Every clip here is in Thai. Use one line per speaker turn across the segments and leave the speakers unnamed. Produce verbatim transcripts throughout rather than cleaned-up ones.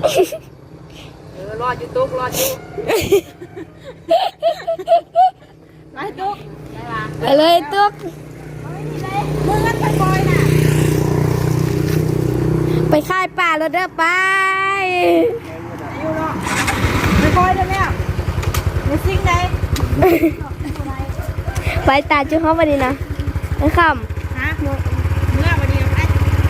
เออรอดอยู่ตุ๊กรอดอยู่ไปตุ๊กไปเลยตุ๊กมึงงั้นไปบอยน่ะไปค่ายป่าแล้วเด้อไปอยู่เนาะไปบอยได้ไหมอ่ะในซิงไหนไปตาจุ๊เขามาดีนะไอ้คำฮะเมื่อวันนี้ไอ้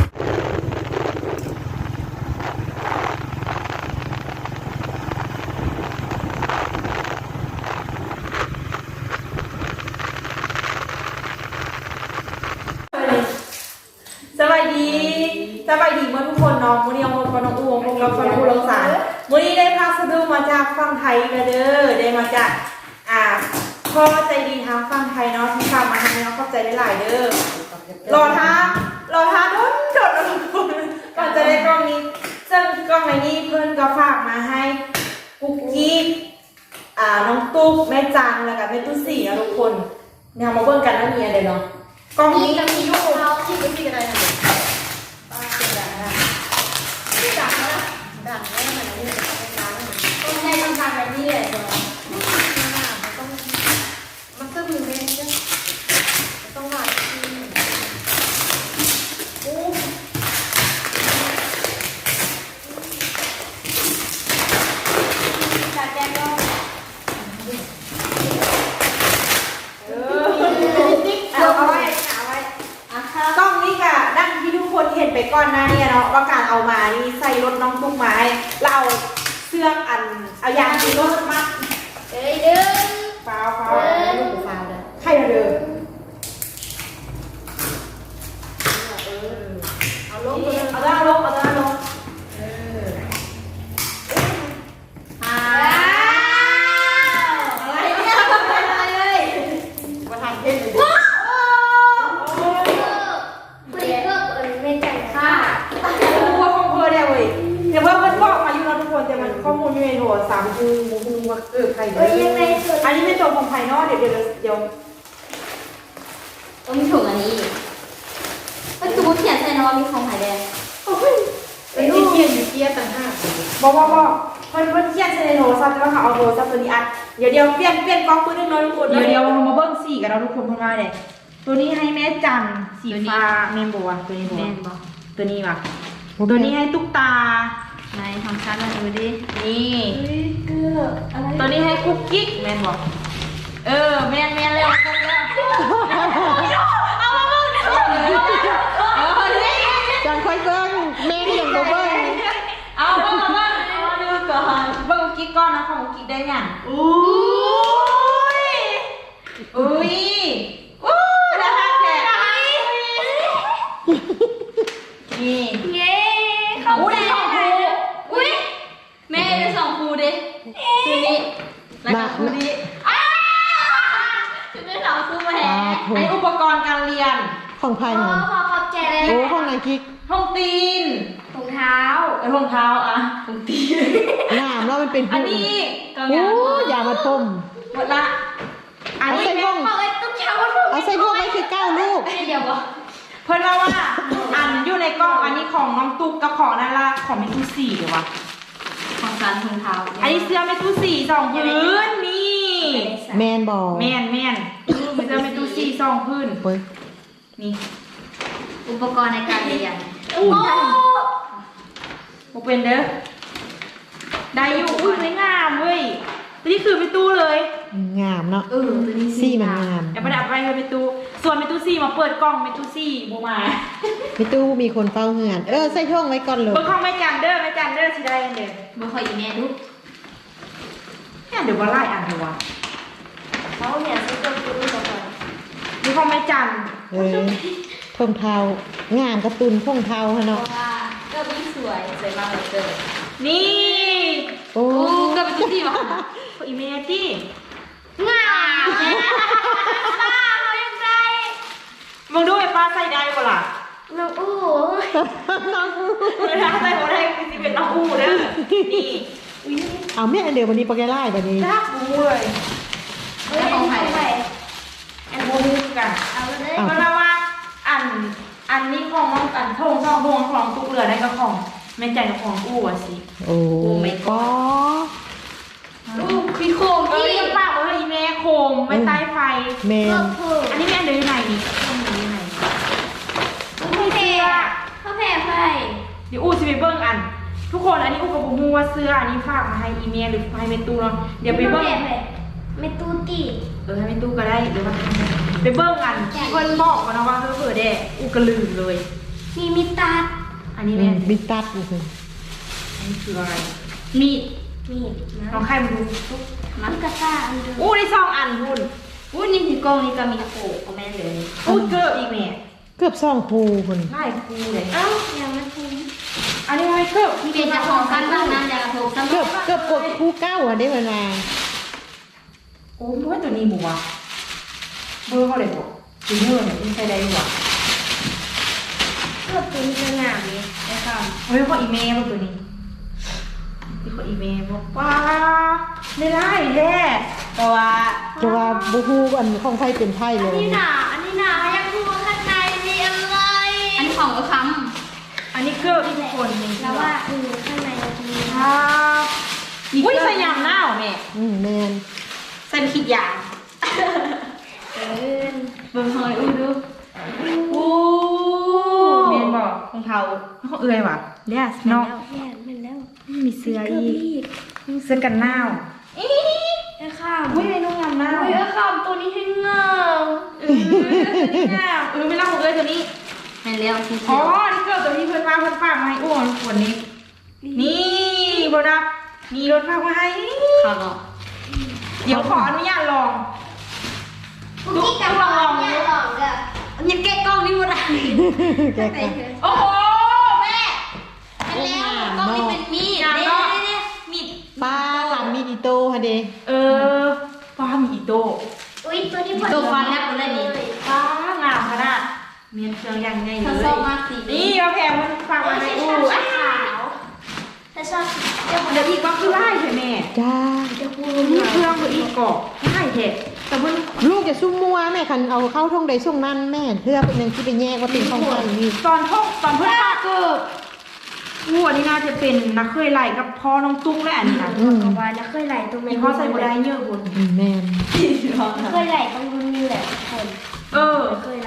สวัสดีสวัสดีเมื่อทุกคนน้องมื้อนี้เอาคนน้องอูวงพงเราฟังผู้รักษามื้อนี้ได้พาสะดุมาจากฝั่งไทยกันเด้อได้มาจากอ่าพ่อใจดีทางฝั่งไทยเนาะที่ฝากมาให้เนาะเข้าใจได้หลายเด้อรอท้ารอท้าโดนโดดทุกคนก่อนจะได้กล้องนี้ซึ่งกล้องในนี้เพื่อนก็ฝากมาให้กุ๊กกี้อ่าน้องตุ๊กแม่จันแล้วก็แม่ตุ้สี่นะทุกคนเนี่ยมาเบิ่งกันแล้วมีอะไรเนาะกล้องนี้จะมีลูกเราที่กุ๊กกี้อะไรนะป้าเป็นแบบนั้นที่ดังนะดังแน่เหมือนนี่ต้องใช้ทำการแบบนี้เลยมันก็มีเม็ดจ้ะต้องหวานโอ้จัดแจงก็เออเอาไว้เอาไว้กล้องนี้ค่ะดังที่ทุกคนเห็นไปก่อนหน้านี้เนาะว่าการเอามานี่ใส่รถน้องตุ้มไม้เราเอาเสื้ออันเอายางที่รถมัดเอ้ยเด้อฟาวฟาวลูกฟาวเลยใครเด้อเอาลงเอาด้านลงเอาด้านลงเอออ้าวอะไรเนี่ยอะไรเลยมาทำเองเลยว้าวคุยเพิ่มเอิญไม่จ่ายค่ารู้ว่าข้อมูลเนี่ยเว้ยเดี๋ยวเพิ่มมันบอกมาอยู่แล้วทุกคนแต่มันข้อมูลอยู่ในโทรศัพท์คือมูมูว่าเออใครเด้ออันนี้เป็นตัวของภายนอกเดี๋ยวเดี๋ยวเดี๋ยว
ต้องมีถุงอันนี้มันคือเขียนใส่นอนมีของหายแดง
โอ้ยไอ้ที่เขียนอยู่เกียร์ต่างหากบอกบอกบอกเพิ่นเพิ่นเขียนใส่ในโทรศัพท์แต่ว่าเขาเอาโทรศัพท์ตัวนี้อัดเดี๋ยวเดี๋ยวเปลี่ยนเปลี่ยนกล้องปืนนึงน้อยทุกคนเดี๋ยวเดี๋ยวเรามาเบิ้งสีกันเราทุกคนเพิ่นมาเลยตัวนี้ให้แม่จันสีฟ้าเมนโบวะตัวนี้โบตัวนี้ว่ะตัวนี้ให้ตุ๊กตา
ในทำชั้นอะไรดิ
นี่ตัวนี้ให้คุกกิ๊กแมนบอกเออแมนแมนเร็วเร็วเอามาเบิ้งเออนี่
จังค่อยเบิ้งแม่ที่ยังบ่เบิ้ง
เอาเบิ้งเบิ้งเอาดูก่อนเบิ้งกิ๊กก้อนนะของกิ๊กได้ยังอุ้ยอุ้ยอู้น่ารักแท้นี่
เย้เขาแซ่อุ้ยแม่ได้สองครูดิคือนี้แล้วก็ครูนี้อ้าจะได้สองครูมาแห่
ไออุปกรณ์การเรียน
ของภายใน
ขอขอบใจเลย
โอ้ห้องไหนกิ๊ก
ห้องตีน
ถุงเท้า
ไอห้องเท้าอะห้องตีน
งามแล้วมันเป็น
อันนี้
โอ้ยามาต้ม
หมดละอันนี้
เป็นของไอ้ตุ๊กเช้า
เอาใส่พวกไม่คือเก้าลูก
เดี๋ยวบอก
เพื่อนว่าว่าอันอยู่ในกล้องอันนี้ของน้องตุ๊กกับของนั่นละของเมทูสี่เดี๋ยววะ
ของการถุงเท้า
อันนี้เสื้อเมทูสี่สองพื้นนี่
แมนบอล
แมนแมนเสื้อเมทูสี่สองพื้นนี่
อุปกรณ์ในการเรียน
โอ้โหเป็นเด้อได้อยู่อุ้ยไม่งามเว้ยนี่คือไปตู้เลย
งามเนาะ
เออตัวนี้
ซี่มันงาม
แอบประดับไปเลยไปตู้ส่วนไปตู้ซี่มาเปิดกล้องไปตู้ซี่บูมา
ไปตู้มีคนเฝ้าเหือนเออใส่ช่องไว้ก่อนเลย
เปิดห้องไม่จันเด้อไม่จันเด้อสิได้เด้อ
บ่ค่อยอีแม่ดู
เนี่ยเดี๋ยวว่าไล่อ่านเถอะวะ
เขาเนี่ยซื้อตัวตู้ก่อน
มีห้องไม่จัน
เออท่องเท้างามกระตุนท่องเท้าฮะเนาะ
ก็มีสวยสวยมากเลยเกิน
นี่
โอ้
ก็เป็นตู้ที่วะ
อีเมจี้
งามป้าเขายังไง
มึงดูไอ้ป้าใส่ได้ปะล่ะ
น้องอู้
น้องอู้
เวลาใส่หัวได้คือสิเป็นน้องอู้เด้อนี่
เอาแม่อันเดียววันนี้ปะแกไล่แบบนี้
จ้าบูเลย
เฮ้ยของใคร
แอนบูนี่กันเอาเลยเพราะว่าอันอันนี้ของน้องอันทงทองทงของตุ๊กเรือได้กับของแม่ใจกับของอู้อ่ะสิ
โอ้ไม่ก็
อู้มีโคม
เอ้
ที่
ยฝากไว้ให้แม่โคมไว้ใต้ไฟ
แมน
อันนี้แม่เดินอยู่ไหนนี่ต้องเดินอยู่ไหน
ไม่แพ้เขาแพ้ไฟ
เดี๋ยวอู้สิไปเบิ้งอัน ทุกคนอันนี้อู้กับบุมูว่าเสื้ออันนี้ฝากมาให้อีเมลหรือให้เมตูเนาะเดี๋ยวไปเบิ้ง
ไม่ตู้ตี
เออให้เมตูก็ได้เดี๋ยวว่าไปเบิ้งอันเพิ่นบอกกันนะว่าเธอเปิดได้อู้ก็ลืมเลย
มีมิตา
อันนี้แม่
บิตัดเลย
อันนี้คืออะไร
มีดมีด
ลองใครมาดู
มันกระซ่าอันเดิม
อู้ได้สองอันพุ่น
อู้นี่คือกองนี่ก็มีโขกของแม่เลย
อู้เกิบอีกแม่
เกือบสองคูคน
ไล่คูเลย
เอ้ายังไม่คุ้ม
อันนี้ไม่เกิบ
มีเป็นจะของกันบ้างนะจะถูกซ้ำ
เกือบเกือบกดคูเก้าอ่ะได้เวลา
โอ้ยตัวนี้บัวเบอร์เขาเลยบอกจูเนอร์เนี่ยไม่ใช่ได้หรอ
เกือบเป็นสนามนี้นะครับ
เฮ้ยเขาอีเมลตัวนี้ที่เขาอีเมลบอกว่าไม่ได้แท้แต่ว่า
จะว่าบูฮูอันของไทยเป็นไทยเล
อัน
ย
นี้หนาอันนี้หนายังพูดข้างในมีอะไรอันนี้ของกระค
อันนี้เกิบทุกคนนี่
ำแล้วว่าเออข้างในมี
ครับอุ้ยใส่ยางหน้าเหรอแม่
อืมแมน
ใส่ขีดยาง
เออเบิ่งหอยอุ้ยดู
โอ้เมนบอกของเขาเขาเอื่อยว่ะเลียสเนาะ
แม่เป็นแล้ว
มีเสื้ออีกเสื้อกันหนาวอี
ไอ้ข้าม
อุ้ยเมนูงามหนาว
อุ้ยไอ้ข้ามตัวนี้ให้เงา
เออนี่งามเออไม่เล่าของเอ้ยตัวนี้
เห็นแล้วที
อ๋
เดี
อ
ยว
นี่เกิดตัวนี้เพื่อนมาเพื่อนฝากมาให้อ้วนขวดนี้ นี่โบนัสมีรถฝากมาให้
ข้าวเนาะ
เดี๋ยวขออนุญาตลอง
คุกกี้กับลองเนี่ยลองกับยังแกะกล้องนี่หมดอ่ะ
แกกัน
โอ้โหแม่
อันแล้วกล้องนี่เป็นมีด
งาม
เด้
เนาะ
มีด
ป้าทำมีดิโตฮะเด
เออป้ามีอีโต้
อุ้ยตัวนี้ตัวฟันแล้วคนละนี่
ป้างามขนาดเมียนเครื่องยังไงเล
ถ้าย ชอบมากสี
นี่เอาแพงมันฝากมาให้อู้
ชอบขาวถ้าชอบ
เดี๋ยวอีกว่าคือไล่ใช่ไหม
จ้า
จะพูด
นี่เครื่องคืออีกกรอบไล่เห็ดแต่มัน
ลูกจะซุ่มมัวแม่คันเอาเข้าท่องใดช่วงนั้นแม่เพื่อเป็นหนึ่งที่ไปแยกว่าเป็นของกันนี่
ตอนพ่อตอนเพื่อนฝากเกิดอู้อันนี้น่าจะเป็นนักเคยไล่กับพ่อน้องตุ้งและอันนี้นะ
อืม
กว่าจะเคยไหลตรง
มีพ่อใส่บัวได้เยอะบน
อืมแมน
เคยไหลตรงรุ่นนี้แหละทุกคน
เออ
เคยไหล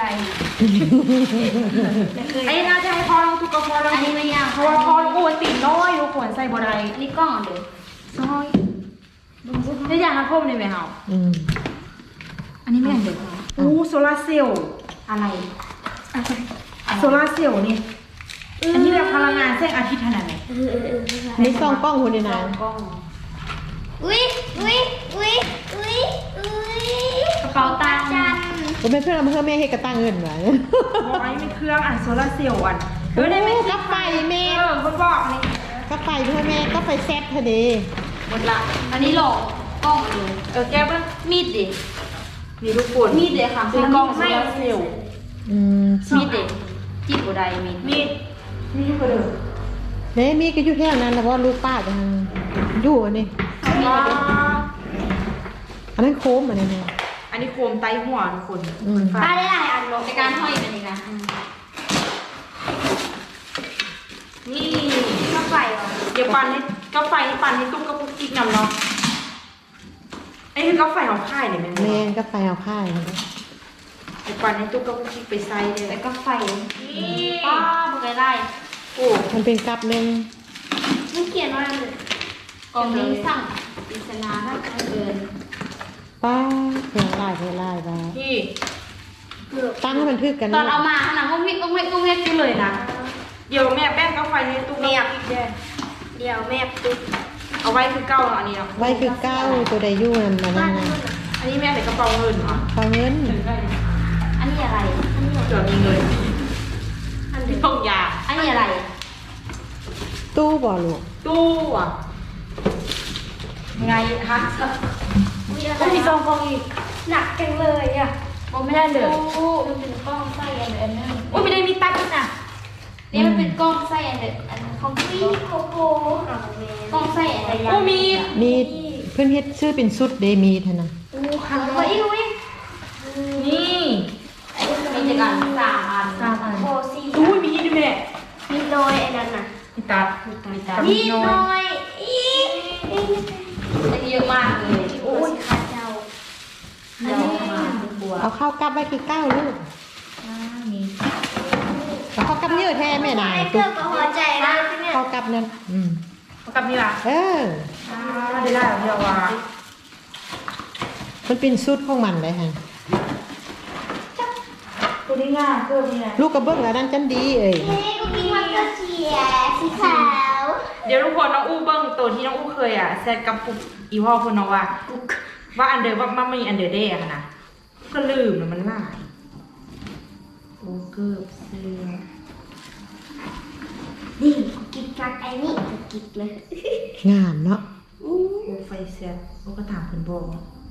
เคย
ไอ้น่าจะให้พ่อน้องตุ้งกับพ่อน้อง
อันนี้ไม่ยาก
เพราะว่าพ่อน้องอู้ติดน้อยทุกคนใส่บัวได้
อันนี้กล้องเดี๋ยว
ซอยได้อย่างนั้นพ่อเลยไหมเฮา
อืม
อันนี้ไม่อย่างเดียวอู้โซลาร์เซลล์อะไรโซลาร์เซลล์นี่อันนี้แบบพลังงานแสงอาทิตย์ขนาดไหน
เออเออเออ
ในซองกล้องคนในนั้น
กล้อง
อุ้ยอุ้ยอุ้ยอุ้ยอุ้ยกระเป๋าตังค์จัน
ผมเป็นเพื่อนเอามาเพื่อแม่ให้กระตั้งเงินไว้
บอกไอ้เป็นเครื่องอันโซลาร์เซลล์อัน
เออได้ไหมกาไฟแม่
เออคนบอกนี่
กาไฟเพื่อแม่กาไฟแซ่บฮะเด
หมดละ
อันนี้หลอกกล้องเลย
เออแก้วป่ะ
มีดดิ
มีลูกปน
มีดเด็ค่ะ
ซื้อกล้องโซลาร์เซลล์
อืม
มีดเด็จีบบัวใดมีด
มีนี่ก็เลย
แม่มีก็อยู่แถวนั้นนะเพราะว่าลูกป้าจะอยู่อันนี้
ว้า
อันนั้นโค้มอันนี้แม่
อันนี้โคมไตหัวทุกคน
อืม
ป้าได้หลายอันลงในการห้อยเป็นยังไง
นี่
ข้าไฟเหรอ
เดี๋ยวปั่นให้กาแฟนี่ปั่นให้ตุ้มกระปุกกิ๊กนำเนาะไอ้คือกาแฟของค่ายเนี่ยแม่
แม่กาไฟเอาผ้าอย่างนี้
ไอ้ปั่นให้ตุ้มกระปุกกิ๊กไปใส่เลย
แล้วก็ไฟ
นี่
ป้าบอกไงไล่
โอ้
มันเป็นกับหนึ่ง
มันเขียนว่าอะไรกล่องนี้สั่งปริศนาถ้าเกิน
ป้าเพลงลายเพลงลายป้า
พี่
ตั้งให้มันทึกกัน
ตอนเอามาขนาดก็วิ่งก็วิ่งก็วิ่ง
นี่เลยนะเดี๋ยวแม่แป้งกาแฟให้ตุ้มกระปุกกิ๊กแย่
เดี๋ยวแม่ตุ๊ก
เอาไว้คือเก้าเนาะอันนี้เนาะ
ไว้คือเก้าตัวใดอยู่นั่นมานั่นนะ
อันนี้แม่ใส่กระเป๋าเงินเหรอ
ฟังเงิน
อันนี้อะไร อันนี้
เดี๋ยวมีเงิน
อัน
ที่
นี้
ต้องยา
อันนี้อะไร
ตู้บ่อลูก
ตู้อ่ะไงฮะ
มีอะไร
ต้องมีซองฟองอีก
หนักจังเลยอ่ะ
โอ้ไม่ได้เลย
โอ้มันเป็นกล้องไส้อันเดอร์อันนึง
โอ้ไม่ได้มีตั๊กด้วยนะ
นี่มันเป็นกล้องไส้อันเดอร์อันของพี่โคโค่กล้องไส้อันเดอร์
โอ้มี
มีเพื่อนเฮ็ดชื่อเป็นสุดเดมีเท่านั้น
อู้คันเลยอุ้ย
นี่
มีจักรสามอัน
สามอัน
โคซี่
อุ้ยมีด้วยแม่
มีโดยไอ้นั่นน่ะ
โมีตัด
มีตา
นิ
นิ
ด
ด
หน่
ห
อย
น่อยอีอันนี้เยอะมากเลยโอ้ยขาเจ้าเจ้ามาบัว
เอาข้าวกลับไว้คือเก้าลูก
นี่
เอาข้าวกลับเยอะแท้แม่นาย
เกือบกับหัวใจนะเนี่ย
ข้าวกลับนั่นอืม
เอากลับนี่ล่ะ
เออ
อ่าได้ได้ของเดียวว่า
มันเป็นสูตรของมันเลยฮะ
ตัวนี้ง่ายเพิ่มนี่ไง
ลูกกระเบื้องอันนั้นจันดีเอ้ย
เฮ้ยกูกินมันก็เสียสีขาว
เดี๋ยวทุกคนน้องอู้เบิ้งตัวที่น้องอู้เคยอ่ะแซดกับปุกอีพ่อคนน้องว่าว่าอันเดอร์ว่ามันมีอันเดอร์เดย์อะนะก็ลืมแล้วมันหลายโอ้เกือบเสือ
ดิกูกินกักไอ้นี่กูกินเลย
งามเนาะ
โอ้ไฟแซดโอ้ก็ถามคนบอก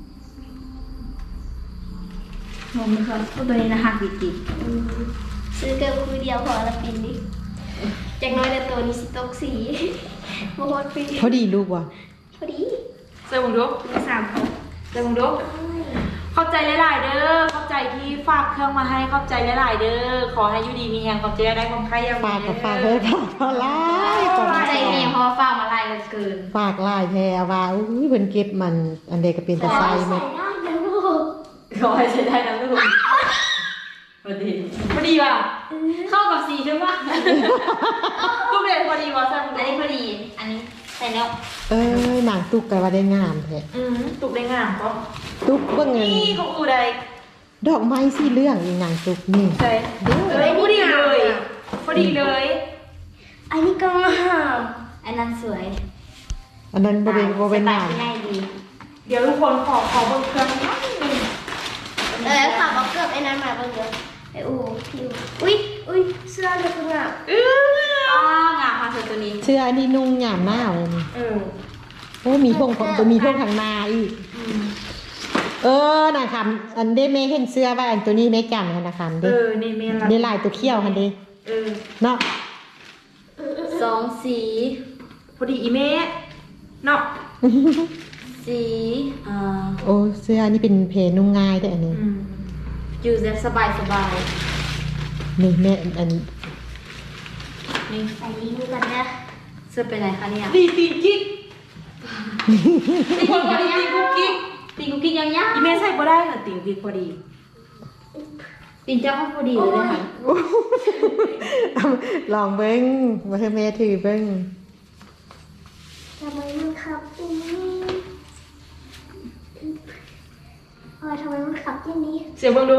มองมันก่อนตัวนี้นะหักดิจิซื้อเกินคุยเดียวพอละปีนี้จากน้อยแต่ตัวนี้สิตกสีโมโหปี
พอดีลูกว่ะ
พอดี
เซอร์บุงดุก
มีสามคน
เซอร์บุงดุกเข้าใจหลายๆเด้อเข้าใจที่ฝากเครื่องมาให้เข้าใจหลายๆเด้อขอให้อยูดีมีแฮงความเจ๊ได้ความใครยัง
ฝากกับฝากเลยฝากเท่าไรฝาก
ใจเมียเพราะว่าฟ้ามาไล่กันเกิน
ฝากลายแพรว่าอุ้ยเพิ่นเก็บมันอันเดก็เป็นตะไคร้หมด
ได้นะลูก
ขอให้ใช้ได้นะลูกพอดีพอดีว่ะ
เข้ากับสีใช่ปะ
ลูกเรียนพอดีว่ะเซอร์บุง
อัน
ดุ
นี้
ก
พอดี อันนี้ใส่แล้ว
เอ้ยนางตุกกันว่าได้งามแท้
อืมตุกได้งามก็
ตุกเบิ่งเงิน
นี่ของอูได้
ดอกไม้สีเหลืองอีนางตุกนี่
ใช่เออพอดีเลยพอดีเลย
อันนี้ก็งามอันนั้นสวย
อันนั้นบ่เป็นบ่เป็นงาม
สไตล์ง่ายดี
เดี๋ยวทุกคนขอขอเบิ่งเครื่องนิดนึง
เออขับเอาเกือบไอ้นั้นมาบ้างเดี๋ยวไอ้อูพี่อูอุ้ยอุ้ยเสื้อเธอคืองาม
เออ
อ๋องามค่ะเธอตัวนี้
เสื้ออันนี้นุ่งยามหน้าเลยนี่
เออ
โอ้มีท่งของตัวมีท่งทางนาอีกเออน่ะค่ะอันเด้แม่เห็นเสื้อว่าอันตัวนี้แม่จันหั่นน่ะค่ะ
เอ
เด้
อนี่เมน
ได้ลายตัวเขี้ยวหั่นเด้
เออ
เนาะ
สองสี
พอดีอีเมะเนาะ
สีอ่า
โอ้เสื้ออันนี้เป็นเพนุ่งง่ายเด้ออันนี้
อืม
อยู่แบบสบายสบาย
นี่แม่อัน
นี่ใส่ลิงก์กันนะเสื้อเป็นไรคะเนี่ย
ดีตีกิ๊กทุกคนพอดีตีกุ๊กกิ๊ก
ตีนกุ๊กกิ๊กยังยัง
อีเมะใส่บ่ได้ค่ะตีกิ๊กพอดี
ตีนเจ้าเขาพอดีเลยนะคะ
เอาลองเบิ้งมาเธอแม่ถือเบิ้ง
ทำไมมันขับอย่างนี้เออทำไมมันขับอย่างนี้
เสียงเบิ่งดู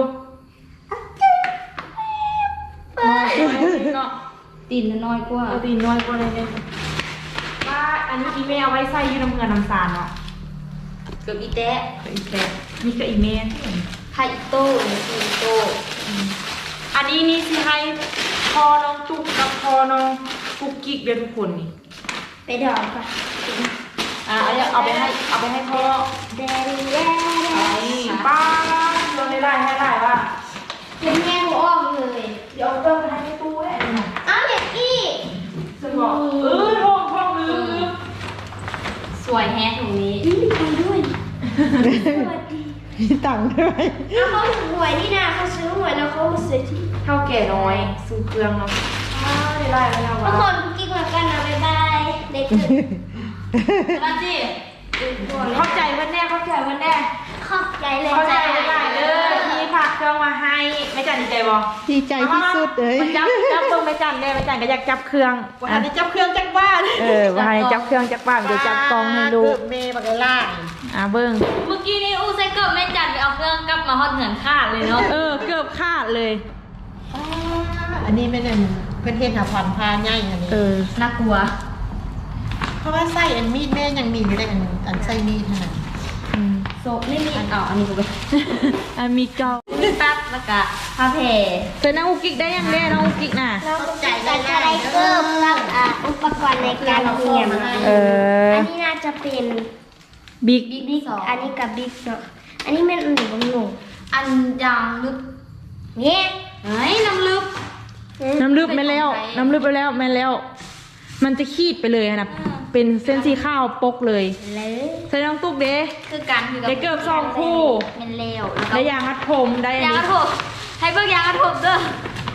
ไป
เนาะ
ตีนน้อยกว่า
เอาตีน้อยกว่าเลยเนี่ยว่าอันนี้อีเมะเอาไว้ใส่อยู่น้ำเงินน้ำตาลเนาะ
เกือบอีแตะ
ก็อีแต่นี่ก็อีเมะ
ไทโต้หรืออีโต้
อันนี้นี่สิให้พอน้องจุกกับพอน้องกุ๊กกิ๊กเดี๋ยวทุกคนนี่
ไปดอกค่ะ
อ่ะเอาเอาไปให้เอาไปให้พ่อ
แดงแดง
ไอ้ป้าโดนได้ได้ให้ได้ว่า
เป็นแง่หัวอ้อมเลย
เดี๋ยวเอาเติมไปให้ในตู้ได้ไหม
อ้าวเด็กอี้
ฉันบอกเออท้องท้องลืมลืม
สวยแฮะตรงนี้มีใครด้วยสวัสดี
มีตังค์ด้วย
แล้วเขาถูกหวยนี่นะเขาซื้อหวยแล้วเขามาซื้อที่
เท่าแก่น้อยซื้อเครื่องเนาะอ่าได้ได้แล้วนะ
ทุก
ว่า
คนกิ๊กมากันนะบ๊ายบายเด็กขึ้นมาจิ
เข้าใจเพื่อนแน่เข้าใจเพื่อนแน่
ขอบใจเลย
เข้าใจได้เลยที่ฝากเครื่องมาให้ไม่จันดีใจบ่
ดีใจที่สุดเลย
จับจับตรงไม่จันได้ไม่จันก็อยากจับเครื่องวันนี้จับเครื่องจักบ้านเออวันนี้จับเครื่องจักบ้านเดี๋ยวจับกล้องให้ดู
เกือบเมย์บักล่า
อ่ะเบิ้ง
เมื่อกี้นี้อู้ใส่เกิบแม่จันไปเอาเครื่องกลับมาฮอดเหือนขาดเลยเนาะ
เออเกือบขาดเลย
อันนี้ไม่นั่นเพื่อนเทศหาผ่อนพาง่ายอันนี้
เออ
น่ากลัว
เพราะว่าไส้อันมีดแม่ยังมีอยู่เลยอันอันไส้มีดขนาด
โซไม่มีอันเอาอันนี้กูไป
อันมีเจ้า
ตัดแล้วก็ผ้าแผ่
เธอน้องอุกิกได้ยังแน่น้องอุกิกน่ะ
เราใจได้ได้เกิบกับอ่าอุปกรณ์ในการเรียน
เออ
อันนี้น่าจะเป็น
บิ๊ก
บิ๊กอันนี้กับบิ๊กเนาะอันนี้เป็นอันหนึ่งของหนูอันยางลึกเนี่ยเฮ้ยน้ำลึก
น้ำลึบไม่แล้ว น้ำลึบไปแล้วไม่แล้ว มันจะขีดไปเลยนะเป็นเส้นสีข้าวปกเลย
เลย
เธอน้องตุ๊กเด้
คือการคือ
ได้เกือบสองคู่
เป็นเลว
ได้ยางมัดผมได้อัน
ยางก
นี้
ระทบให้เบิกยางกระทบเด้อ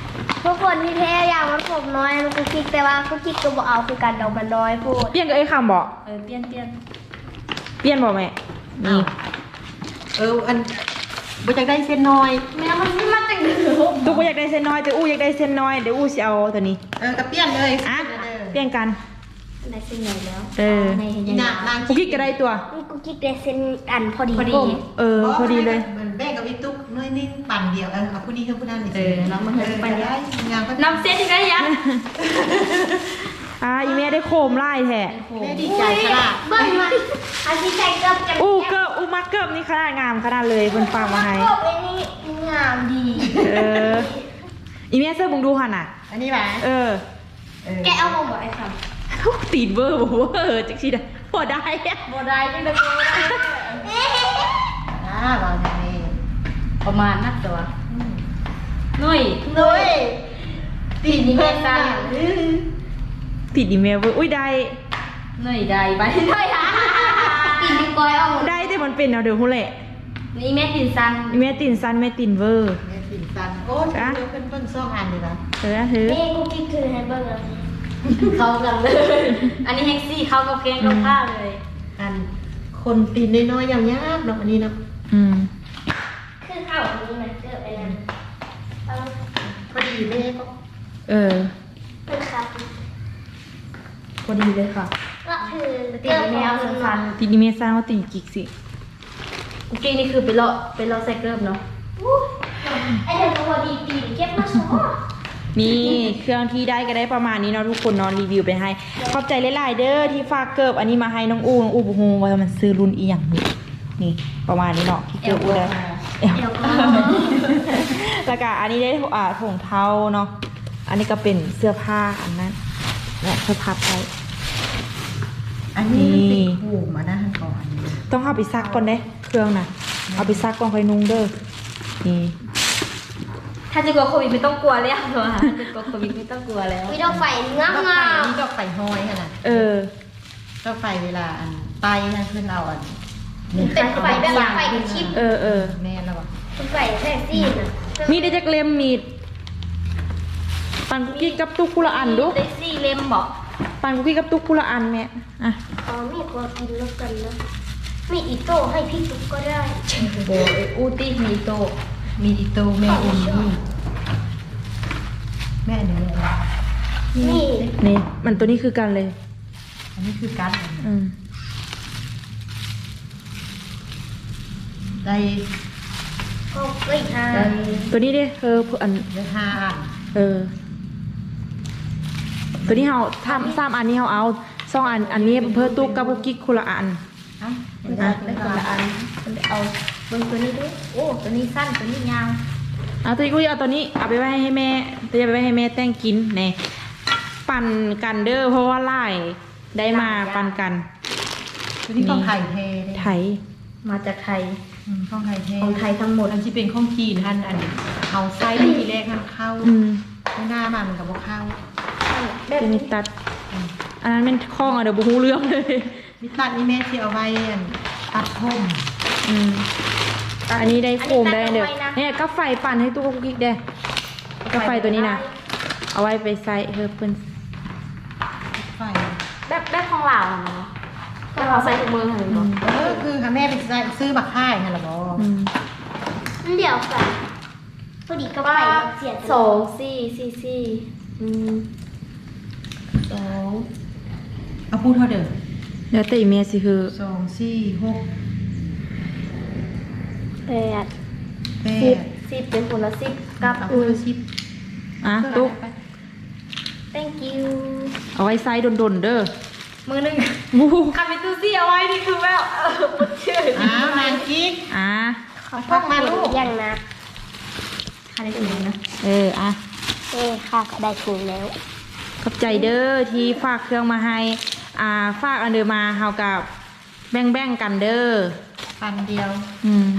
ทุกคนที่แท้อย่างมันผมน้อยมันกุ๊กกิ๊กแต่ว่ากุ๊กกิ๊กก็บอกเอาคือการดอกมันน้อยพูด
เปลี่ยนกับไอ้คำบอก
เออเปลี่ยนเปลี่ยน
เปลี่ยนบอกแม่นี่
เอออันบ่อยากได้เส้นน้อย
แม่มันมาจากไหน
ทุกคนอยากได้เส้นน้อยแต่อู้อยากได้เส้นน้อยเดี๋ยวอู้สิเอาตัวนี้
เออก็เปลี่ยนเลย
อ่ะเปลี่ยนกัน
ในเส้นใหญ่แล้ว
เออ
ในเห็น
นี่
ยัง
นะนาง
กุ๊กกิ๊กก็ได้ตัว
กุ๊กกิ๊กได้เส้นอันพอดี
พอดีเออพอดีเลย
เหมือนแบ่งกับวิตุ๊กน้อยนิ่งปั่นเดียวเออเอาผู้นี้กับผู้นั้นนี่
เออเรามาเห็นไป
ได้งานก็
น้ำเส้นอีกแล้วยัง
อ่าอีเมได้โคมไล่แท้
แม่ดีใจขนาด
เบิ้งมันอันที่ใจเกือบจะ
อู้เกิบอู้มักเกิบนี่ขนาดงามขนาดเลยเพิ่นฝากมาให้
เกือบไอ้นี่งามดี
เอออีเมเสื้อบุงดูหันน่ะ
อันนี้หวะ
เออ
เออ
แกเอามาบอกไอ้ค
ตีนเวอร์บอกว่าเออจักชีดะพอได้อะ
ำโบได้ที่เป็นโบได้
อ่าเราอย่างนี้
ประมาณนักตัวนุ่ย
นุ้ย
ตีนี้แม่ตั้ง
ติดอีเมลเวอร์อุ้ยได้
นุ่ยได้ไปได้ฮะตีนี้ก้อยเอา
ได้แต่มันเป็นเอาเดี๋ยวหูแหละ
นี่แม่ตีนซัน
อีเมตินซันแม่ตินเวอร์
แม่ปิ่นซันโอ้ยเดี๋ยวเพิ่นเพิ่นซ่องอันเลยนะ
เออถือ
นี่กูกิ๊กคือให้เบิ้งอ่ะเข้ากันเลย อันนี้แฮกซี่เข้ากับแกงกับข้าวเลย
อันคนตีนน้อยๆอย่างยากเนาะอันนี้เนาะ
อืม
คือข้าวอันนี้มันเกิดอะไรนะเอา
พอดีแม่ก็
เออ
เป็นครับ
พอดีเลยค่ะ
ก็คือตีนี้แม่เอาซัน
ติดอีเมลซันว่าติดกิกสิ
กูกิ๊กนี่คือไปเลาะไปเลาะใส่เกิบเนาะไอเดี๋ยวพอดีตีนเก็บมาสอง
นี่เครื่องที่ได้ก็ได้ประมาณนี้เนาะทุกคนเนอนรีวิวไปให้ขอบใจหลายๆเด้อที่ฝากเกิบอันนี้มาให้น้องอูน้องอูบูฮูว่ามันซื้อรุ่นอีหยังนี่นี่ประมาณนี้เนาะที่เกิบอูได้เอว
เดี๋ยวก็
แล้วก็อันนี้ได้อ่าถุงเท้าเนาะอันนี้ก็เป็นเสื้อผ้าอันนั้นและเสื้อผ้าไป
อันนี้มันติดหูมานะฮันก่อน
ต้องเอาไปซักก่อนเด้เครื่องน่ะเอาไปซักก่อนค่อยนุ่งเด้อนี่
ถ้าจะกลัวโควิดไม่ต้องกลัวแล้วเหรอถ้าจะกลัวโควิดไม่ต้องกลัวแล้วมีดอกไฟงาม
ดอกไฟ
งาม
นี่ดอกไฟห้อยขนาด
เออ
ดอกไฟเวลาอันไปนะเพื่อนเอาอัน
เป็นไฟแบบไฟกับชิป
เออเออ
แม่แล้ววะ
เป็นไฟแท็กซี่นะ
มีได้จักเล่มมีดปันกุกกี้กับตุ๊กกุละอันดู
ได้สี่เล่มบอก
ปันกุกกี้กับตุ๊กกุละอันแม่อ่ะ
อ๋อมีกลัวกินแล้วกันนะมีอีโต้ให้พี่ตุ๊กก็ได้
โบอูตี้มีโตมีอีโตแม่อุ่นนี่แม่เดี๋ยวเลย
นี่
นี่มันตัวนี้คือกันเลย
อันนี้คือการ
อืม
ได้
ก็เอ้ยฮะ
ได้
ตัวนี้ดิเอออัน
ได้ห้าอัน
เออ ตัวนี้เฮาทำสามอันนี้เฮาเอาสองอันอันนี้เพื่อตุ๊กกับกุกกี้คนละอัน
อ่ะ
ได้คนละอันมันเอาเบิ่งตัวนี้ด้วยโอ้ตัวนี้สั้นตัวนี้ยาว
เอาตัวนี้กูเอาตัวนี้เอาไปไว้ให้แม่ตัวนี้เอาไปไว้ให้แม่แต่งกินแน่ปั่นกันเด้อเพราะว่าไล่ได้มาปั่นกัน
ตัวนี้ของไทยเท
ไทย
มาจากไทย
ของไทยเท
ของไทยทั้งหมด
อันที่เป็นของจีนท่านอันเอาไส้ทีแรกท่านเข้า
อืม
ไม่น่ามามันกับว่าเข้า
แบบ
เป็นมิตัด อันนั้นเป็นข้องอะเดี๋ยวบูฮูเรื่องเลย
มิตัดนี่แม่ที่เอาไว้อันตัดผม
อืมอันนี้ได้โฟมได้เดี๋ยวเนี่ยก็ไฟปั่นให้ตู้กุกกิ๊กได้ก็ไฟตัวนี้นะเอาไว้ไปใส่เฮอเพิ่น
ไฟ
แบบแบบของเราเนาะก็เราใส่ถุงมือเหรอ
อืม
เออคือหาแม่ไปซื้อบักค่ายฮะหรอบอ
อืม
เดี๋ยวกันพอดีก็ไปเสียสองสี่สี่สี่อืมสอง
เอาพูดเท่าเดิม
แล้วแต่อีเมลสิคือ
สองสี่หก
แปด
แป
สิบ
ด
สิบเป็นผลละสิบกับ
เอา
อื
พูด
ม
สิบ
อ่ะตุ๊ก
thank you
เอาไว้ใส่ดนๆเด้อ
มือหนึ่ง
วู้
คามิตูซี่เอาไว้นี่คือแบบเออปุดชื่อ
อ้าวนานกิ๊ก
อ่ะ
ขอพักมาลูกยังนะค่ะได้ถุงนะ
เอออ่ะ
เอ้ค่ะได้ถุงแล้ว
ขอบใจเด้อที่ฝากเครื่องมาให้ อ่าฝากอันเดอมาเฮากับแบ่งๆกันเด้อ
ปันเดียว
อืม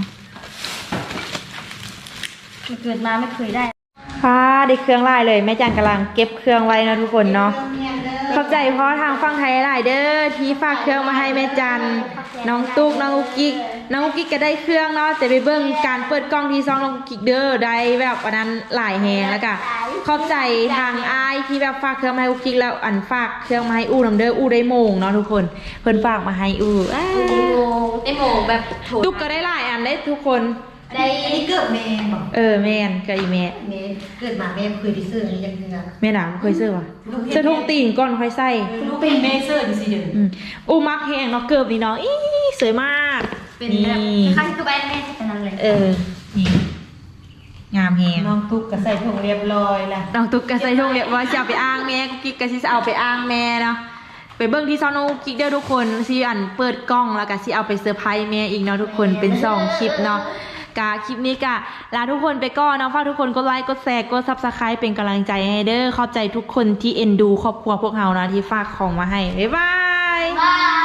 มันเกิดมาไม่เคยได้
ค่ะได้เครื่องไล่เลยแม่จันกำลังเก็บเครื่องไว้นะทุกคนเนาะ
เรื่องเมียนเด้อ
ขอบใจเพราะทางฝั่งไทยหลายเด้อที่ฝากเครื่องมาให้แม่จันน้องตุ๊กน้องอุกกิ๊กน้องอุกกิ๊กก็ได้เครื่องเนาะแต่ไปเบิ่งการเปิดกล้องที่ซองน้องอุกกิ๊กเด้อได้แบบวันนั้นหลายแฮงแล้วก็ขอบใจทางอายที่แบบฝากเครื่องมาให้อุกกิ๊กแล้วอันฝากเครื่องมาให้อู้นำเด้ออู้ได้โมงเนาะทุกคนเพิ่นฝากมาให้อู้อ้า
ได้โมได้โมแบบโถ
ตุ๊กก็ได้หลายอันได้ทุกคน
ได้
อันนี้เกิดแม่บอก
เออแม่นก็อีแม่
แม่เกิดมาแม่เคยได้ซื้ออันนี้ยังเงือ
แม่หนาวเคยซื้อวะซื้อทุ่งตีนก่อนค่อยใส่
ลูกเป็นแม่เสื้อดิสิเด้อ
อืมอู้มักแฮงเนาะเกิบนี่เนาะอีสวยมาก
เป็น
นี่
แบบข้างคือแบนแม่จะเป็นอะไร
เออนี่งามแฮง
น้องตุ๊กก็ใส่ถุงเรียบร้อยละ
น้องตุ๊กก็ใส่ทุ่งเรียบร้อยจะเอาไปอ้างแม่กุ๊กกิ๊กก็สิเอาไปอ้างแม่เนาะไปเบิ่งที่ซอนน้องกุ๊กกิ๊กเด้อทุกคนสิอันเปิดกล้องแล้วก็สิเอาไปเซอร์ไพรส์แม่อีกเนาะทุกคนเป็นสองคลิปเนาะกะคลิปนี้กะลาทุกคนไปก่อนเนาะฝากทุกคนกดไลค์กดแชร์กด ซับสไครบ์ เป็นกำลังใจให้เด้อขอบใจทุกคนที่เอ็นดูครอบครัวพวกเรานะที่ฝากของมาให้บ๊ายบาย
บาย